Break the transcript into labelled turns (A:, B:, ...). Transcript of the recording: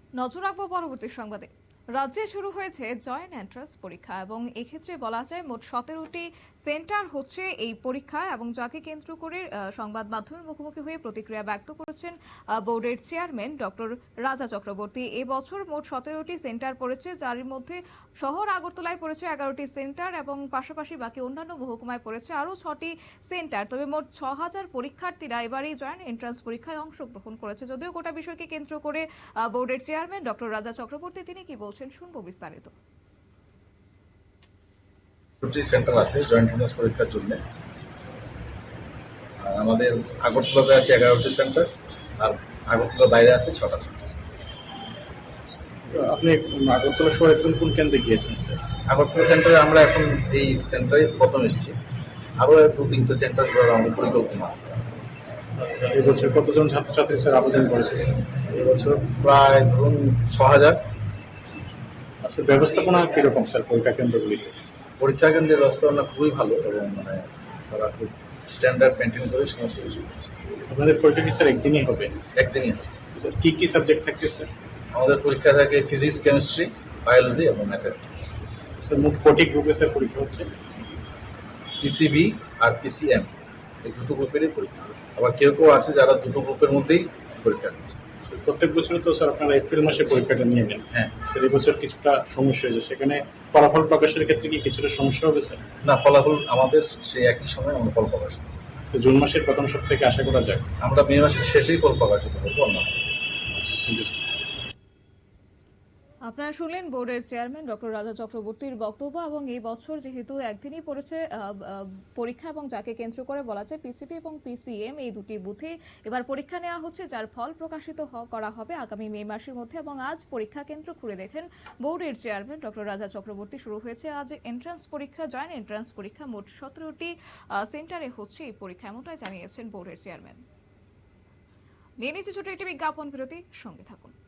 A: নজর রাখবো পরবর্তী সংবাদে। রাজ্যে শুরু হয়েছে জয়েন্ট এন্ট্রান্স পরীক্ষা এবং এক্ষেত্রে বলা যায় মোট 17টি সেন্টার হচ্ছে এই পরীক্ষা, এবং যাকে কেন্দ্র করে সংবাদ মাধ্যমের মুখোমুখি হয়ে প্রতিক্রিয়া ব্যক্ত করেছেন বোর্ডের চেয়ারম্যান ডক্টর রাজা চক্রবর্তী। এবছর মোট 17টি সেন্টার পড়েছে, যার মধ্যে শহর আগরতলায় পড়েছে 11টি সেন্টার এবং পাশাপাশি বাকি অন্যান্য মহকুমায় পড়েছে আরো 6টি সেন্টার। তবে মোট 6000 পরীক্ষার্থীরা এবার এই জয়েন্ট এন্ট্রান্স পরীক্ষায় অংশগ্রহণ করেছে। যদিও গোটা বিষয়কে কেন্দ্র করে বোর্ডের চেয়ারম্যান ডক্টর রাজা চক্রবর্তী তিনি কি বলছেন শুনবো বিস্তারিত।
B: দুটি সেন্টার আছে জয়েন্ট এন্ট্রান্স পরীক্ষার জন্য। আমাদের আগরতলাতে আছে 11টি সেন্টার, আর আগরতলার বাইরে আছে 6টা সেন্টার।
C: আপনি আগরতলা শহরে কোন কোন কেন্দ্রে গিয়েছেন স্যার?
B: আগরতলা সেন্টারে আমরা এখন এই সেন্টারে প্রথম এসেছি, আরো 2-3টে সেন্টার করার আমাদের পরিকল্পনা আছে।
C: আচ্ছা, এবছর কতজন ছাত্রছাত্রী স্যার আবেদন করেছে?
B: এবছর প্রায় ধরুন 6000।
C: আচ্ছা, ব্যবস্থাপনা কিরকম স্যার পরীক্ষা কেন্দ্রগুলিতে?
B: পরীক্ষা কেন্দ্রের ব্যবস্থাপনা খুবই ভালো এবং তারা খুব স্ট্যান্ডার্ড মেনটেন করে সমস্ত কিছু করছে।
C: আপনাদের পরীক্ষা কি স্যার একদিনই হবে?
B: একদিনই হবে।
C: স্যার কি কি সাবজেক্ট থাকছে স্যার?
B: আমাদের পরীক্ষা থাকে ফিজিক্স, কেমিস্ট্রি, বায়োলজি এবং ম্যাথমেটিক্স।
C: স্যার মোট কটি গ্রুপে স্যার পরীক্ষা হচ্ছে?
B: পিসিবি আর পিসিএম এই দুটো গ্রুপেরই পরীক্ষা। আবার কেউ কেউ আছে যারা দুটো গ্রুপের মধ্যেই পরীক্ষা দিচ্ছে।
C: প্রত্যেক বছর তো স্যার আপনারা এপ্রিল মাসে পরীক্ষাটা নিয়ে নেন।
B: হ্যাঁ
C: স্যার, এবছর কিছুটা সমস্যা হয়েছে, সেখানে ফলাফল প্রকাশের ক্ষেত্রে কি কিছুটা সমস্যা হবে স্যার?
B: না, ফলাফল আমাদের সেই একই সময় আমরা ফল প্রকাশ করব।
C: জুন মাসের প্রথম সপ্তাহে আশা করা যায়?
B: আমরা মে মাসের শেষেই ফল প্রকাশিত করবো আমরা।
A: আপনারা শুনলেন বোর্ডের চেয়ারম্যান ডক্টর রাজা চক্রবর্তীর বক্তব্য। এবং এই বছর যেহেতু একদিনই পড়েছে পরীক্ষা, এবং যাকে কেন্দ্র করে বলা যায় পিসিবি এবং পিসিএম এই দুটি বুথে এবার পরীক্ষা নেওয়া হচ্ছে, যার ফল প্রকাশিত করা হবে আগামী মে মাসের মধ্যে। এবং আজ পরীক্ষা কেন্দ্র ঘুরে দেখেন বোর্ডের চেয়ারম্যান ডক্টর রাজা চক্রবর্তী। শুরু হয়েছে আজ এন্ট্রান্স পরীক্ষা, জয়েন্ট এন্ট্রান্স পরীক্ষা। মোট 17টি সেন্টারে হচ্ছে এই পরীক্ষা, এমনটাই জানিয়েছেন বোর্ডের চেয়ারম্যান। নিয়ে নিচ্ছে ছোট একটি বিজ্ঞাপন বিরতি, সঙ্গে থাকুন।